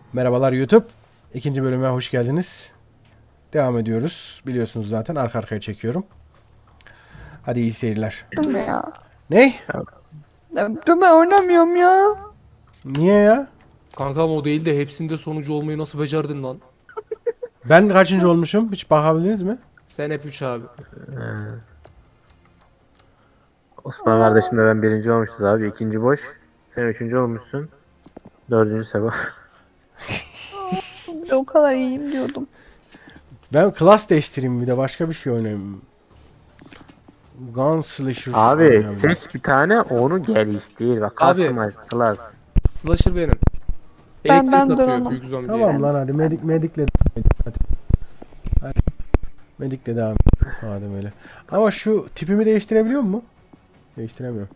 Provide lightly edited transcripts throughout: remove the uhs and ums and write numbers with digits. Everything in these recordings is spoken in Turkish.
Merhabalar YouTube. İkinci bölüme hoş geldiniz. Devam ediyoruz. Biliyorsunuz zaten arka arkaya çekiyorum. Hadi iyi seyirler. Ya. Ne? Dur ben oynamıyorum ya. Niye ya? Kankam o değil de hepsinde sonucu olmayı nasıl becerdin lan? Ben kaçıncı olmuşum? Hiç bakabildiniz mi? Sen hep 3 abi. Osman kardeşimle ben birinci olmuşuz abi. İkinci boş. Sen üçüncü olmuşsun. Dördüncü Seba. O kadar iyiyim diyordum. Ben klas değiştireyim bir de başka bir şey oynayayım. Gunslasher Abi oynayayım. seç bir tane onu geliştir. Bak Abi. customized class. Slasher benim. Ben Elektrik atıyor drone'um. büyük zombiye. Tamam lan hadi medikle hadi. Hadi. Medikle devam et. Madem öyle. Ama şu tipimi değiştirebiliyor mu? Değiştiremiyorum.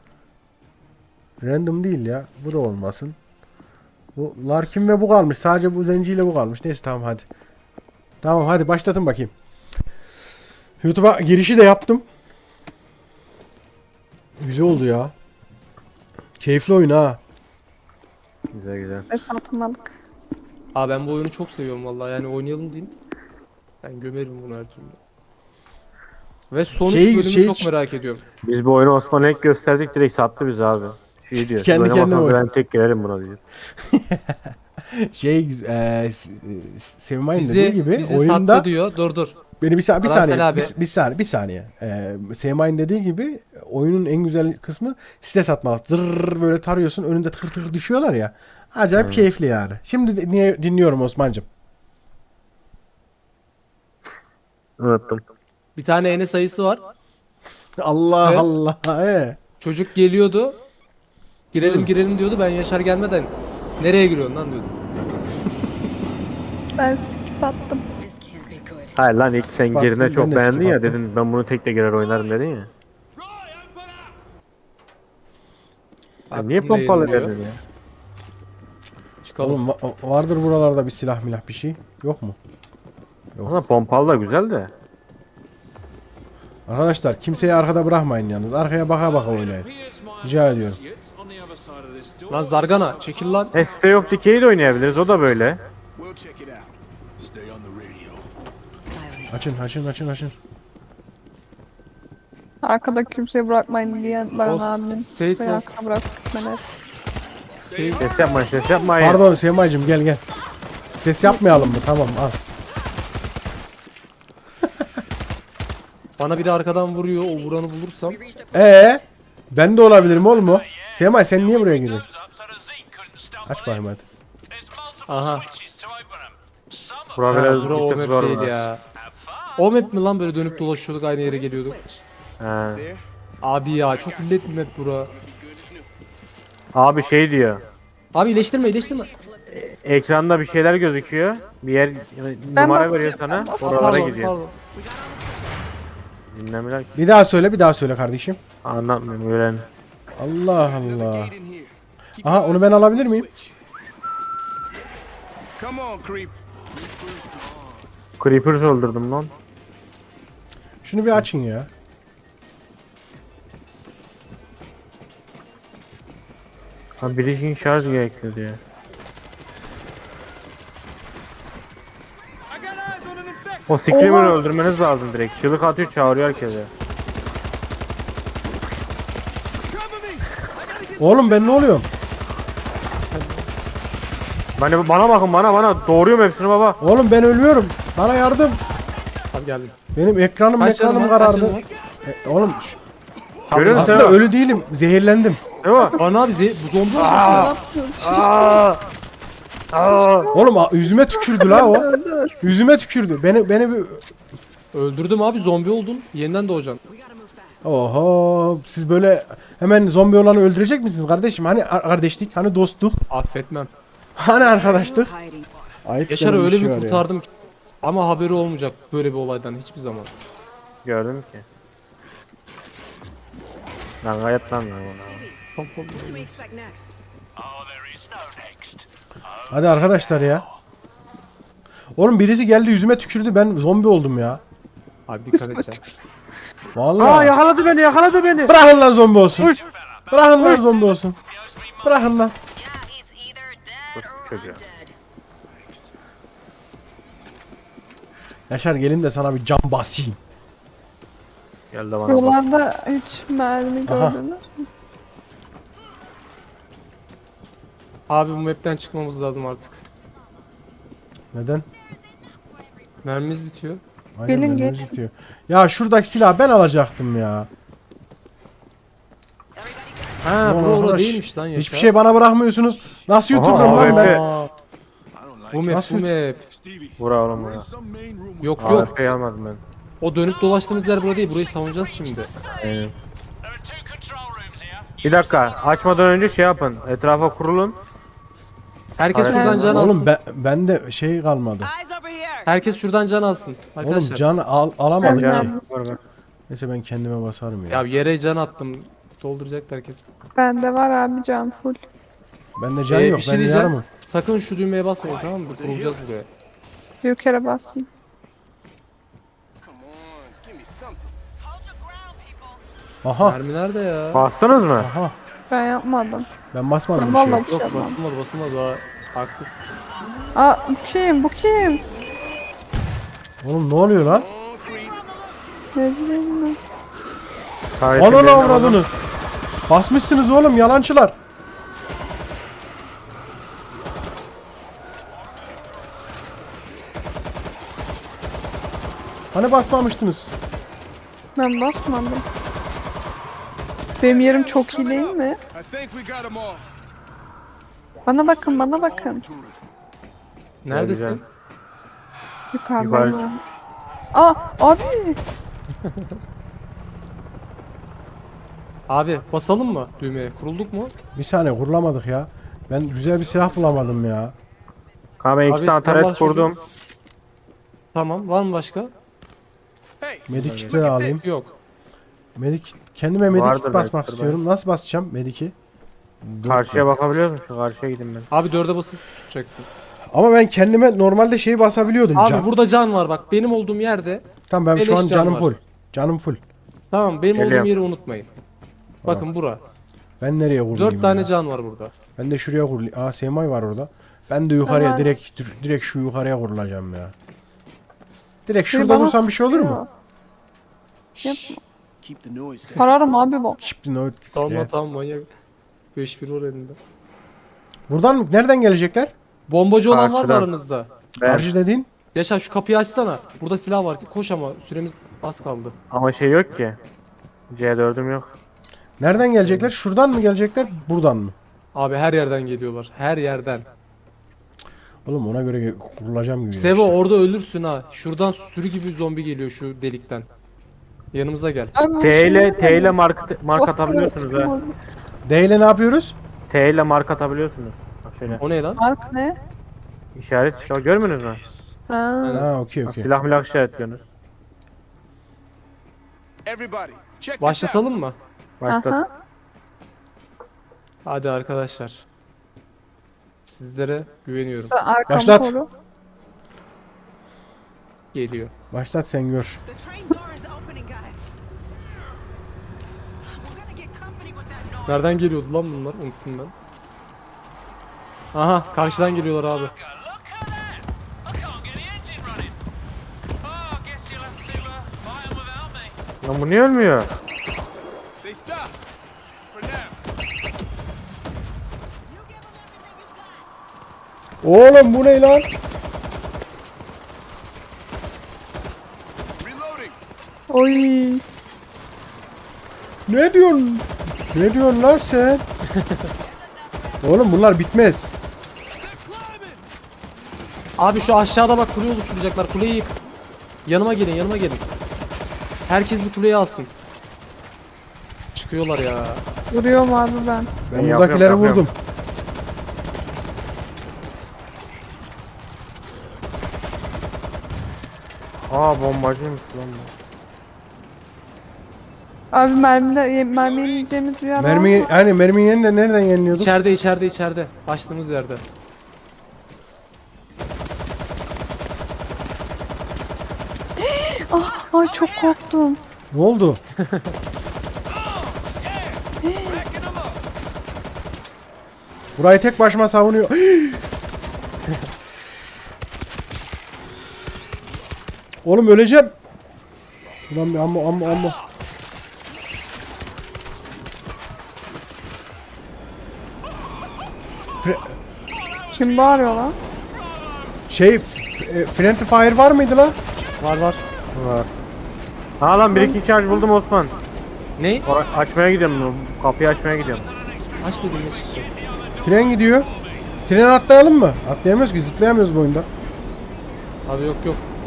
Random değil ya. Bu da olmasın. Bu Larkin ve bu kalmış. Sadece bu zenciyle bu kalmış. Neyse tamam hadi. Tamam hadi başlatın bakayım. YouTube'a girişi de yaptım. Güzel oldu ya. Keyifli oyun ha. Güzel güzel. Ve satmalık. Aa ben bu oyunu çok seviyorum vallahi yani oynayalım diyeyim. Ben gömerim bunu her türlü. Ve sonuç bölümü çok merak ediyorum. Biz bu oyunu Osman'a ilk gösterdik direkt sattı bizi abi. Şey diyor. Kendi Kendi kendine oyun. ben tek girerim buna diyor. Sevmay'ın dediği gibi Bizi oyunda sattı diyor. Dur. beni bir Arasel saniye abi. bir saniye. Sevmay'ın dediği gibi oyunun en güzel kısmı stres atmak. Zırr böyle tarıyorsun önünde tıkır tıkır düşüyorlar ya. Acayip keyifli yani. Şimdi dinliyorum Osman'cığım. Unuttum. Bir tane ene sayısı var. Allah Ve- Allah. Çocuk geliyordu. Girelim diyordu. Ben Yaşar gelmeden nereye giriyorsun lan diyordum. Ben skip attım. Hayır lan ilk sen Bak, girine ben çok de beğendin skip ya attım. dedin ben bunu tek de girer oynarım dedin ya. Ya niye Aklımda pompalı yayınlıyor. dedin ya? Çıkalım. Oğlum vardır buralarda bir silah milah bir şey. Yok mu? Ama pompalı da güzel de. Arkadaşlar kimseyi arkada bırakmayın yalnız. Arkaya baka baka oynayın. Rica ediyorum. Lan Zargana çekil lan. Stay of Decay'i de oynayabiliriz o da böyle. Açın. Arkada kimseyi bırakmayın diyen Baran O abinin. state Beni of- arkada bırakıp gitmeler. Şey, Ses yapmayın. Pardon Sevmay'cığım gel. Ses yapmayalım mı? Tamam al. bana biri arkadan vuruyor. O vuranı bulursam. Ben de olabilirim oğlum o. Sevmay sen niye buraya girdin? Aç bakayım hadi. Aha. Bura Ha, biraz bura o bir tık zor map değil bunlar. ya. O map mi lan böyle dönüp dolaşıyorduk aynı yere geliyorduk. He. Abi ya çok illet bir map bura. Abi şey diyor. Abi iyileştirme. Ekranda bir şeyler gözüküyor. Bir yer numara veriyor sana. Oralara gidiyor. Pardon. Dinlemiyorlar ki. Bir daha söyle kardeşim. Anlatmıyorum öğren. Allah Allah. Aha onu ben alabilir miyim? Creepers öldürdüm lan. Şunu bir açın ya. Ha bridging şarj gerekli diyor. O Screamer'ı öldürmeniz lazım direkt. Çığlık atıyor çağırıyor herkese. Oğlum ben ne oluyorum? Bana bakın bana doğruyorum hepsini baba. Oğlum ben ölüyorum. Bana yardım. Abi geldim. Benim ekranım Kaç canım var, kaç karardı. canım var? Oğlum Görüyor musun? aslında ölü değilim. Zehirlendim. Değil mi? Bana abi bu zombi Ne yapıyorsun? Aa! Aa! Oğlum yüzüme tükürdü la o. Yüzüme tükürdü. Beni bir... öldürdüm abi zombi oldun. Yeniden doğacaksın. Oho siz böyle hemen zombi olanı öldürecek misiniz kardeşim? Hani kardeşlik, hani dostluk, Affetmem. hani arkadaşlık? Ayıp Yaşar'ı denen öyle şey bir var ya. kurtardım ki. Ama haberi olmayacak böyle bir olaydan hiçbir zaman. Gördüm ki. Lan gayet lan ya. Hadi arkadaşlar ya. Oğlum birisi geldi yüzüme tükürdü ben zombi oldum ya. Abi dikkat edeceksin. Vallahi. Yakaladı beni. Bırakın lan zombi olsun. Uş. Bırakın lan zombi olsun. Bırakın lan. Çocuğa. Yaşar gelin de sana bir cam basayım. Gel de bana bak. Buralarda hiç mermi Aha. gördünüz mü? Abi bu map'ten çıkmamız lazım artık. Neden? Mermimiz bitiyor. Aynen, Gelin, mermimiz gelin. bitiyor. Ya şuradaki silahı ben alacaktım ya. Ha Ulan bura orada arkadaş, değilmiş lan Yaşar. Hiçbir şey bana bırakmıyorsunuz. Nasıl Aha, yuturum lan ben? Aa, bu map Nasıl bu map. Vura oğlum vura. Yok yok. AWP almadım ben. O dönüp dolaştığımız yer bura değil. Burayı savunacağız şimdi. Aynen. Bir dakika açmadan önce şey yapın. Etrafa kurulun. Herkes Aynen. şuradan can Oğlum alsın. ben de şey kalmadı. Eyes over here. Herkes şuradan can alsın. Oğlum Arkadaşlar. can alamadık Ben- ki. Var var. Neyse ben kendime basarım ya. Ya yere can attım. Dolduracak herkes. Bende var abi can full. Bende can yok. Bir şey Ben diyeceğim. yarımım. Sakın şu düğmeye basmayın, tamam mı? Kurulacağız buraya. Bir kere bastım. Aha. Mermi nerede ya? Bastınız mı? Aha. Ben yapmadım. Ben basmadım Ben bir şey. vallahi bir şey Yok yapmadım. basılmadı daha aktif. Aa bu kim? Bu kim? Oğlum ne oluyor lan? Ne bileyim ben. Tarihte Ananı birine avradını. Basmışsınız oğlum yalancılar. Hani basmamıştınız? Ben basmadım. Benim yerim çok iyi değil mi? I think we got them all. Bana bakın, bana bakın. Neredesin? Yukarıdayım Yukarı. abi. Aa abi. Abi basalım mı düğmeye? Kurulduk mu? Bir saniye kurulamadık ya. Ben güzel bir silah bulamadım ya. Kanka ben iki Abi, tane standart taret kurdum. Tamam. Var mı başka? Hey, Medik kitleri alayım. Yok. Kendime medik Vardır kit basmak belki, istiyorum. Nasıl basacağım mediki? Karşıya bakabiliyor musun? Şu karşıya gidin ben. Abi 4'e basıp tutacaksın. Ama ben kendime normalde şeyi basabiliyordum. Abi can. burada can var bak. Benim olduğum yerde. Tamam ben şu beleş an can canım var. full. Canım full. Tamam benim Geliyorum. olduğum yeri unutmayın. Bakın bura. Ben nereye kurulayım 4 tane ya? can var burada. Ben de şuraya kurulayım. Aa Semay var orada. Ben de yukarıya Tamam. direkt şu yukarıya kurulacağım ya. Direkt Biri şurada bana vursam bir şey olur mu? sıkıyor. Yapma. keep the noise down. Kararım abi bu. Şimdi o Tamam tamam manyak. 5-1 var elinde. Buradan mı? Nereden gelecekler? Bombacı olan var mı Karşıdan. aranızda? Ben. Karşı dediğin? Yaşar şu kapıyı açsana. Burada silah var. Koş ama süremiz az kaldı. Ama şey yok ki. C4'üm yok. Nereden gelecekler? Şuradan mı gelecekler? Buradan mı? Abi her yerden geliyorlar. Her yerden. Oğlum ona göre kurulacağım gibi. Sevo işte. orada ölürsün ha. Şuradan sürü gibi zombi geliyor şu delikten. Yanımıza gel. Abi bu T ile şey- mark atabiliyorsunuz ha. D ile ne yapıyoruz? T ile mark atabiliyorsunuz. Bak şöyle. O ne lan? Mark ne? İşaret işte görmüyorsunuz mu? Ha. Ha okey Bak, okey. silah milah işaretliyorsunuz. Everybody, check this out. Başlatalım mı? Başlat. Aha. Hadi arkadaşlar. Sizlere güveniyorum. Sen arkamı Başlat. koru. Geliyor. Başlat sen gör. The train door is opening, guys. We're gonna get company with that noise. Nereden geliyordu lan bunlar? Unuttum ben. Aha karşıdan geliyorlar abi. Lan bu niye ölmüyor? They stop. For now. Oğlum bu ne lan? Reloading. Oy. Ne diyorsun? Ne diyorsun lan sen? Oğlum bunlar bitmez. Abi şu aşağıda bak kule oluşturacaklar. Kuleyi yık. Yanıma gelin yanıma gelin. Herkes bir kuleyi alsın. Çıkıyorlar ya. Vuruyorum abi ben. Ben yapıyorum, buradakileri yapıyorum. vurdum. Aa bombacıymış lan bu. Abi mermi yiyeceğimiz bir yer var Mermi mı? hani merminin yerine nereden yeniliyorduk? İçeride. Başladığımız yerde. Ay çok korktum. Ne oldu? Burayı tek başıma savunuyor. Oğlum öleceğim. Ulan bir amma. Kim bağırıyor lan? Friendly Fire var mıydı lan? Var. Var. Ha lan 1-2 charge buldum Osman. Ne? Açmaya gidiyorum. Kapıyı açmaya gidiyorum. Aç dedim ne çıkacak? Tren gidiyor. Tren atlayalım mı? Atlayamıyoruz ki, zıplayamıyoruz bu oyunda. Abi yok.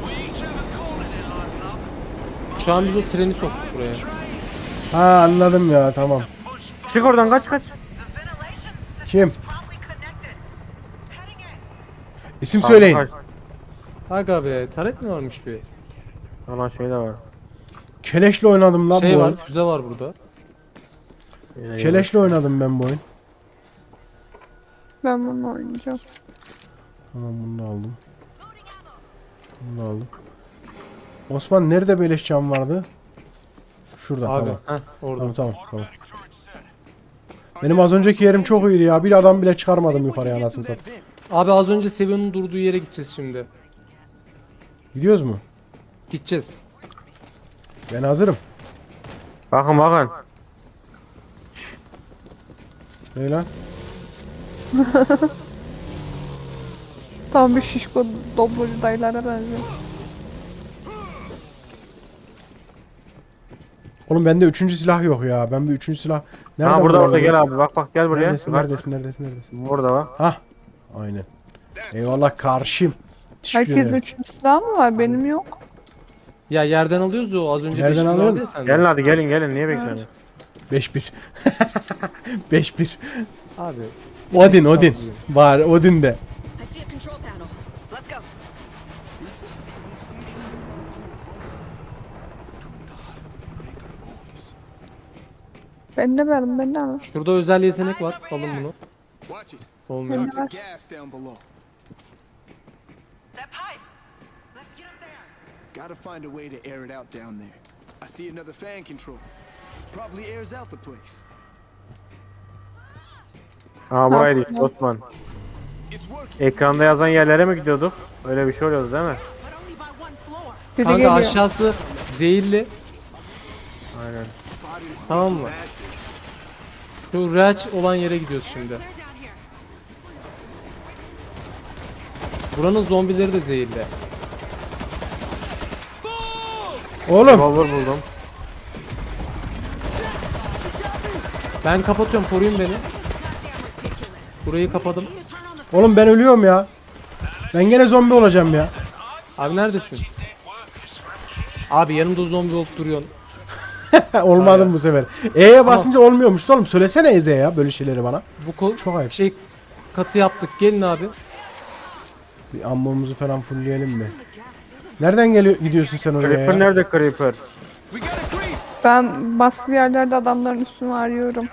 Şu an biz o treni soktuk buraya. Ha anladım ya, tamam. Çık oradan kaç. Kim? İsim söyleyin. Kaç. Aga be, taret mi varmış bir? Lan şey de var. Keleşle oynadım lan Şey bu var, oyun. füze var burada. Keleşle oynadım ben bu oyun. Ben bunu oynayacağım. Tamam, bunu da aldım. Bunu da aldım. Osman nerede beleş cam vardı? Şurada, Abi, tamam. orada. Tamam. Benim az önceki yerim çok iyiydi ya. Bir adam bile çıkarmadım yukarıya, anasını satayım. Abi az önce Seven'in durduğu yere gideceğiz şimdi. Gidiyoruz mu? Gideceğiz. Ben hazırım. Bakın. Ne lan? Tam bir şişko doblocu dayılara benziyor. Oğlum bende 3. silah yok ya. Ben bir 3. silah... Nereden Ha burada bulamadım? gel abi. Bak gel buraya. Neredesin? Burada bak. Hah. Aynen. Eyvallah karşım. Teşekkür Herkesin ederim. 3. silahı mı var? Benim yok. Ya yerden alıyoruz ya, o az önce Yerden 500 alıyorum. vardı ya sende. Gelin hadi gelin. Niye bekliyorsun? 5-1. 5-1. Abi. Odin. Alıcıyım. Var Odin de. I see a control panel. Let's go. Ben de alın. Şurada özel yetenek var. Alın bunu. Watch it. Olmuyor. Lots of gas down below. That pipe. Let's get up there. Gotta find a way to air it out down there. I see another fan control. Probably airs out the place. Ha buraydı işte Osman. It's working. Ekranda yazan yerlere mi gidiyorduk? Öyle bir şey oluyordu değil mi? But only by one floor. Biri Kanka geliyor. aşağısı zehirli. Aynen. Tamam mı? Şu reaç olan yere gidiyoruz şimdi. Clear down here. Buranın zombileri de zehirli. Oğlum. Revolver buldum. Ben kapatıyorum, koruyun beni. Burayı kapadım. Oğlum ben ölüyorum ya. Ben gene zombi olacağım ya. Abi neredesin? Abi yanımda zombi olup duruyorsun. Olmadım bu sefer. E'ye basınca olmuyormuş oğlum. Söylesene Eze ya böyle şeyleri bana. Bu Çok ayıp. şey katı yaptık. Gelin abi. Bir ammamızı falan fullleyelim mi? Nereden gidiyorsun sen oraya Creeper ya? nerede Creeper? We got a creep. Ben baskı yerlerde adamların üstünü arıyorum.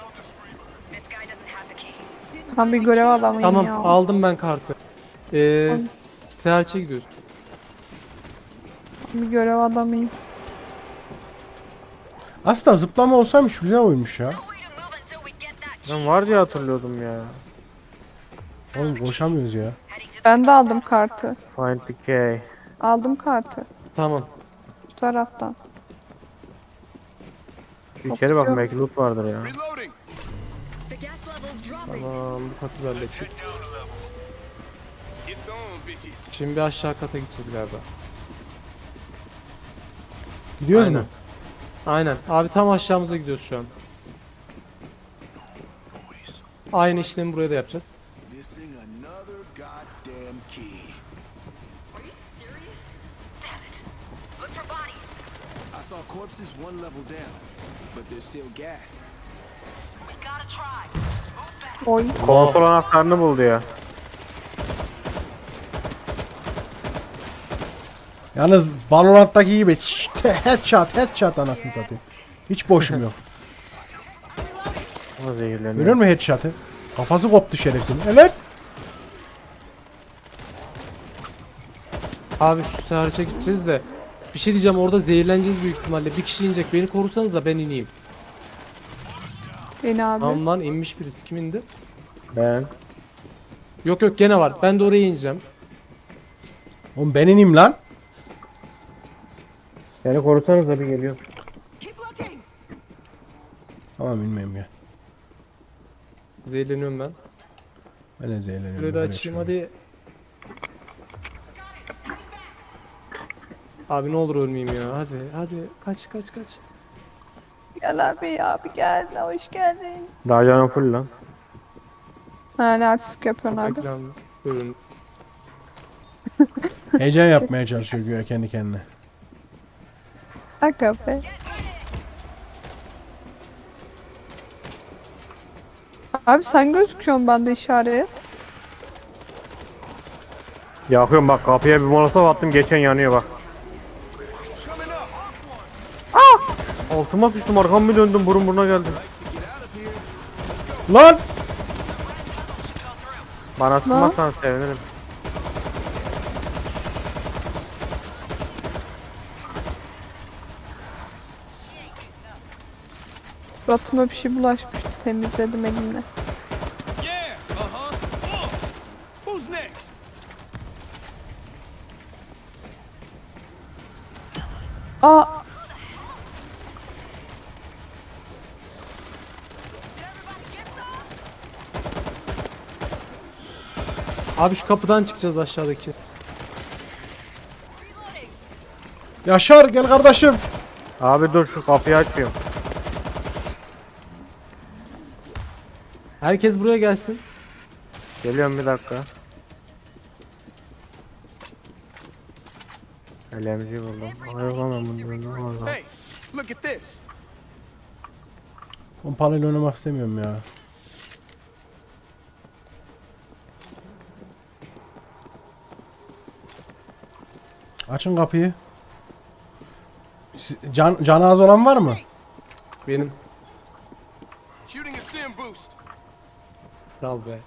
Tam bir görev adamıyım Tamam, ya. aldım ben kartı. Search'e gidiyoruz. Bir görev adamıyım. Aslında zıplama olsaymış güzel oymuş ya. Ben var diye hatırlıyordum ya. Oğlum koşamıyoruz ya. Ben de aldım kartı. Find the key. Aldım kartı. Tamam. Şu taraftan. Şu içeri bakın belki loot vardır ya. Reloading. The gas level's dropping. Tamam, bu katı da hallettik. It's on, bitches. Şimdi bir aşağı kata gideceğiz galiba. Gidiyoruz Aynen. mu? Aynen. Abi tam aşağımıza gidiyoruz şu an. Aynı işlemi buraya da yapacağız. Missing another goddamn key. Are you serious? Damn it. Look for bodies. I saw corpses one level down, but there's still gas. We gotta try. Move back. Oy. Konsol anahtarını buldu ya. Yalnız Valorant'taki gibi headshot anasını satayım. Hiç boşum yok. O zehirleniyor. Görüyor musun headshot'ı? Kafası koptu şerefsizin. Evet. Abi şu search'e gideceğiz de. Bir şey diyeceğim, orada zehirleneceğiz büyük ihtimalle. Bir kişi inecek. Beni korusanız da ben ineyim. Beni abi. Tamam lan, inmiş birisi. Kim indi? Ben. Yok gene var. Ben de oraya ineceğim. Oğlum ben ineyim lan. Beni korusanız da bir geliyor. Keep looking. Tamam bilmeyeyim ya. Zehirleniyorum ben. Ben de zehirleniyorum. Şurayı da böyle açayım şöyle. hadi. Abi ne olur ölmeyeyim ya. Hadi kaç. Gel abi gel. Hoş geldin. Daha canım full lan. Ha ne artistik yapıyorsun abi. Ekran bölüm. Heyecan yapmaya çalışıyor güya kendi kendine. Aga be. Abi sen gözüküyorsun bende işaret. Yakıyorum bak, kapıya bir molotof attım, geçen yanıyor bak. Coming up. Altıma sıçtım, arkamı bir döndüm, burun buruna geldim. To get out of here. Lan! Bana sıkmazsan sevinirim. Suratıma bir şey bulaşmıştı. Temizledim elimle. Yeah. Uh-huh. Who's next? Aa Abi şu kapıdan çıkacağız aşağıdaki. Yaşar gel kardeşim. Abi dur, şu kapıyı açıyorum. Herkes buraya gelsin. Geliyorum, bir dakika. LMG buldum. Hayır lan, ben bunu buldum. Hey, look at this. Pompalıyla oynamak istemiyorum ya. Açın kapıyı. Canı az olan var mı? Benim. Shooting a stim boost. Kral be.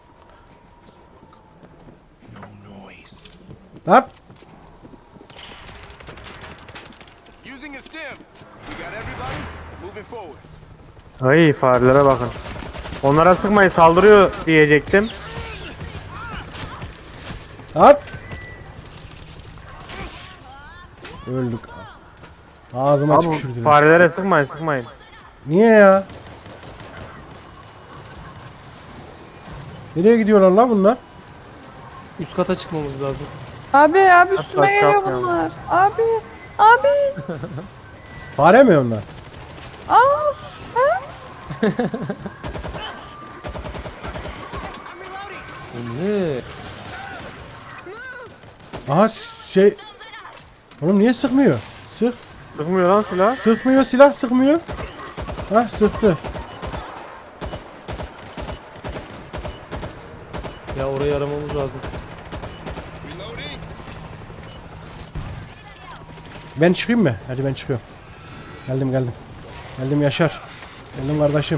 No noise. Lan! Using a stim. We got everybody moving forward. Ay, farelere bakın. Onlara sıkmayın, saldırıyor diyecektim. Lan! Öldük. Ağzıma Abi tükürdüler. farelere sıkmayın. Niye ya? Nereye gidiyorlar lan bunlar? Üst kata çıkmamız lazım. abi üstüme Hatta geliyor şapkam. bunlar. Abi. Fare mi onlar? Aa. Ne? Aha şey... Oğlum niye sıkmıyor? Sık. Sıkmıyor lan silah. Sıkmıyor silah sıkmıyor. Hah sıktı. Ya orayı aramamız lazım. Reloading. Ben çıkayım mı? Hadi ben çıkıyorum. Geldim. Geldim Yaşar. Geldim kardeşim.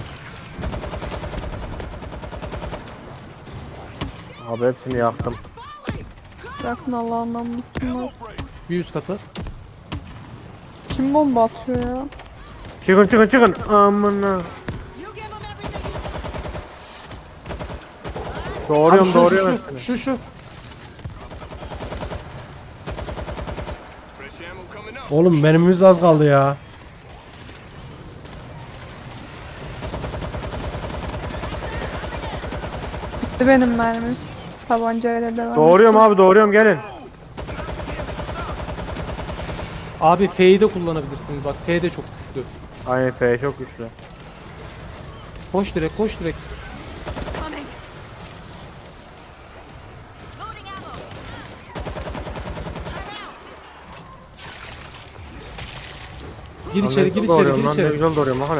Abi hepsini yaktım. Bırakın Allah'ından mutluluğu. Bir üst kata. Kim bomba atıyor ya? Çıkın. Amına. Doğruyorum. Abi şu. Fresh ammo coming up. Oğlum mermimiz az kaldı ya. Bitti benim mermim. Tabancayla devam. Doğruyorum gelin. Abi F'yi de kullanabilirsiniz. Bak F de çok güçlü. Aynen, F çok güçlü. Koş direkt. Coming. Loading ammo. Gir içeri. Ne güzel doğruyorum bak hele.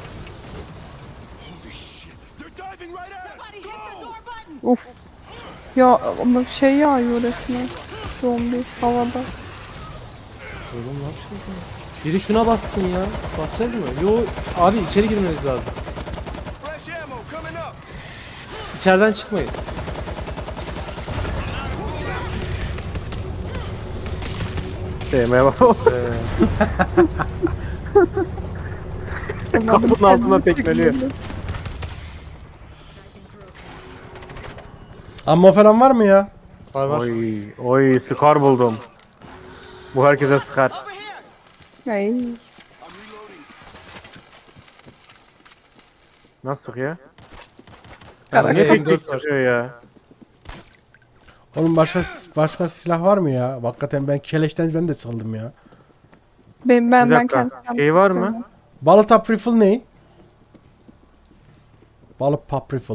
They're diving right at us. Somebody hit the door button. Uf. Ya ama şey yağıyor resmen. Zombi havada. Oğlum ne yapacağız ya? Biri şuna bassın ya. Basacağız mı? Yo abi içeri girmeniz lazım. Fresh ammo coming up. İçeriden çıkmayın. Sevmeye bak. Kapının altına tekmeliyor. Ammo falan var mı ya? Var. Oy, Scar buldum. Bu herkese Scar. Over here. Ay. I'm reloading. Nasıl sıkıyor? Yani Ne M4 tek var. sıkıyor ya? Oğlum başka silah var mı ya? Hakikaten ben keleşten ben de sıkıldım ya. Ben Bir ben dakika. kendim Şey var mı? Balık tap rifle ne? Balık pop rifle.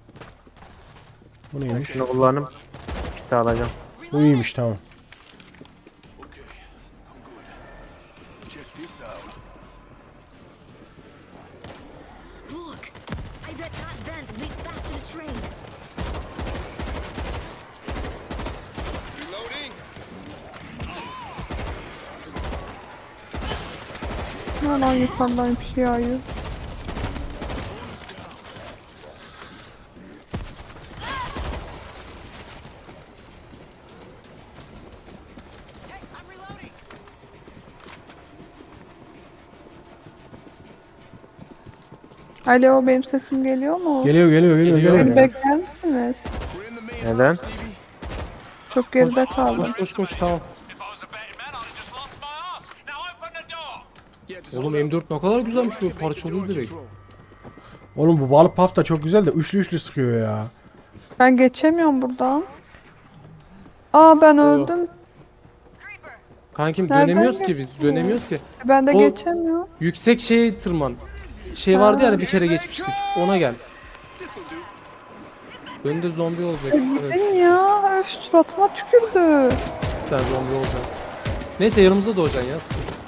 Bu neymiş? Şunu kullanıp kiti alacağım. Bu iyiymiş tamam. Okay, I'm good. Check this out. Look! I bet that vent leads back to the train. Reloading. Hala yukarıdan bir şey yağıyor. Alo, benim sesim geliyor mu? Geliyor. Geliyor. Beni bekler misiniz? We're in the main Neden? hall, Stevie. Çok geride kaldım. Koş tamam. Yeah, just Oğlum hold up. M4 ne kadar güzelmiş böyle parçalıyor Door direkt. control. Oğlum bu balık paf da çok güzel de üçlü sıkıyor ya. Ben geçemiyorum buradan. Aa, ben öldüm. Kankim Nereden dönemiyoruz ki biz. geçtin ya? Dönemiyoruz ki. Ben de O- geçemiyorum. Yüksek şeye tırman. Şey vardı ya hani bir kere geçmiştik. Ona gel. Önünde zombi olacak. Evet, Gidin ya. Öf, suratıma tükürdü. sen zombi olacaksın. Neyse yanımızda doğacaksın ya. sıkıntı yok.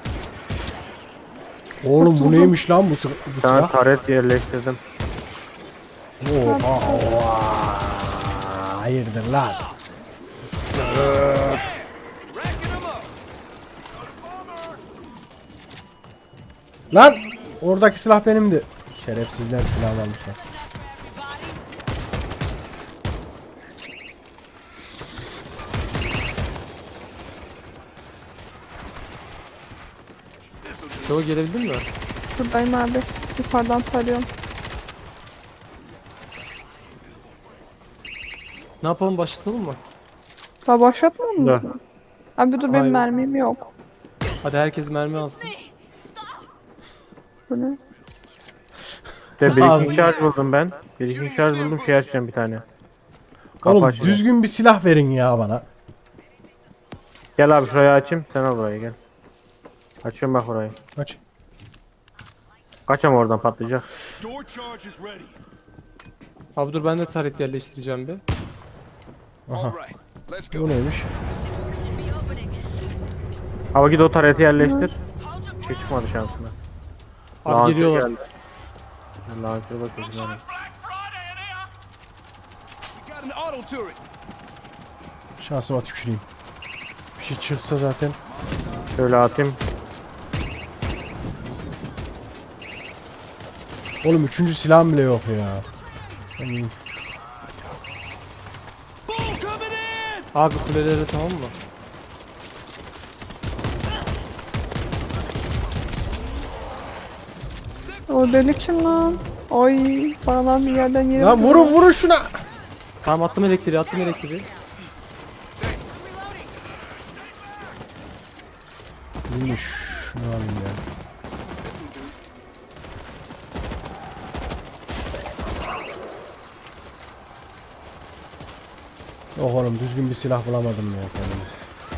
Oğlum bu neymiş lan bu Bir tane silah? taret yerleştirdim. Oha. Hayırdır lan? Lan! Oradaki silah benimdi. Şerefsizler silah almışlar. Seo gelebildin mi? Buradayım abi. Yukarıdan tarıyorum. Ne yapalım başlatalım mı? Daha başlatmadın mı? Dur. Abi dur, benim Hayır. mermim yok. Hadi herkes mermi alsın. Bu ne? De Ağzını- bir şarj buldum ben. Bir şarj buldum şey açacağım bir tane. Oğlum Kapı açacağım. düzgün bir silah verin ya bana. Gel abi şurayı açayım. Sen al burayı gel. Açıyorum bak burayı. Aç. Kaçam oradan patlayacak. Door charge is ready. Abi dur ben de taret yerleştireceğim bir. All right, let's go. Bu neymiş? Should be opening. Abi git o tareti yerleştir. Bir şey çıkmadı şansına. Abi Launcher geliyorlar. geldi. Launcher'a bakıyoruz yani. We got an auto turret. Şansıma tüküreyim. Bir şey çıksa zaten. Şöyle atayım. Oğlum üçüncü silahım bile yok ya. Hmm. Abi kulelere tamam mı? O deli kim lan? Ay, paralar bir yerden yere Lan vurun şuna. Tamam attım elektriği. Neymiş? Şunu alayım ya. Yok oğlum düzgün bir silah bulamadım ya kendime.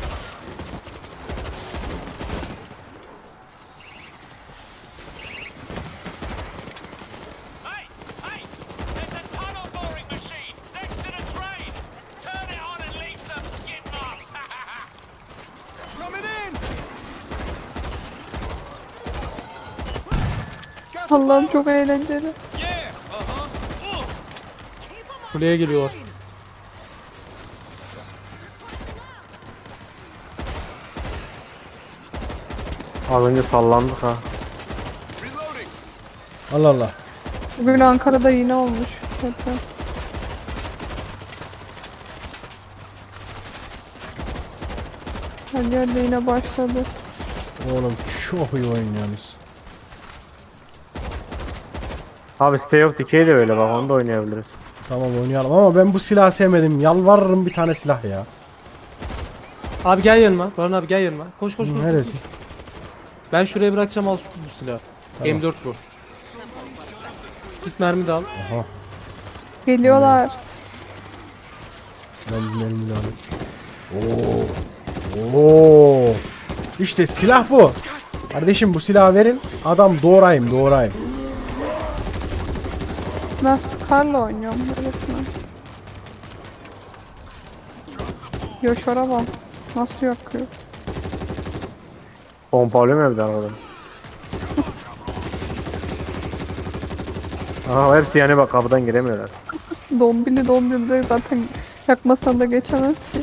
Hey! Hey! There's a tunnel boring machine next to the train! Turn it on and leave some skid marks! Coming in. Allah'ım çok eğlenceli. Yeah. Kuleye geliyorlar. Az önce sallandık ha. Reloading. Allah Allah. Bugün Ankara'da yine olmuş. Deprem. Her yerde yine başladı. Oğlum çok iyi oynuyorsunuz. Abi Stay of Decay de öyle bak onu da oynayabiliriz. Tamam oynayalım ama ben bu silahı sevmedim. Yalvarırım bir tane silah ya. Abi gel yanıma. Baran abi gel yanıma. Koş. Neresi? Ben şuraya bırakacağım, al bu silahı. Tamam. M4 bu. Git mermi de al. Aha. Geliyorlar. Ben bir mermi de alayım. Oo. İşte silah bu. Kardeşim bu silahı verin. Adam doğrayım. Ben Scar'la oynuyorum resmen. Yaşar'a bak. Nasıl yakıyor? Pompalı mı evde arkadan? Aha hepsi yani bak kapıdan giremiyorlar. Dombili de zaten yakmasan da geçemez ki.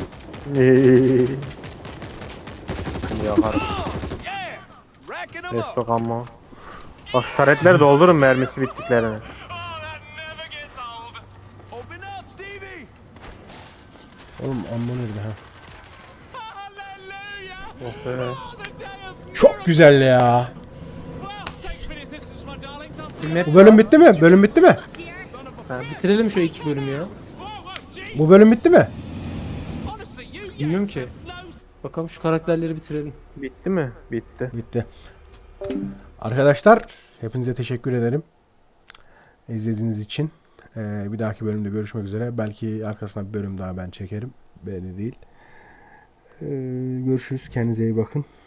Yakarım. Yeah! Racking them up! Destok amma. Bak şu taretleri doldurun mermisi bittiklerini. Oh, that never gets old. Open up, Stevie! Oğlum amma nerede ha? Hallelujah! Oh be. Oh, the day of Çok güzel ya. well, thanks for the assistance, my darlings. I'll see Bir map Bu bölüm bitti mi? Bölüm bitti mi? Ha, bitirelim şu 2 bölümü ya. Bu bölüm bitti mi? honestly, you Bilmiyorum ki. Bakalım şu karakterleri bitirelim. Bitti mi? Bitti. Bitti. Arkadaşlar hepinize teşekkür ederim. İzlediğiniz için. Bir dahaki bölümde görüşmek üzere. Belki arkasına bir bölüm daha ben çekerim. Belli değil. Görüşürüz. Kendinize iyi bakın.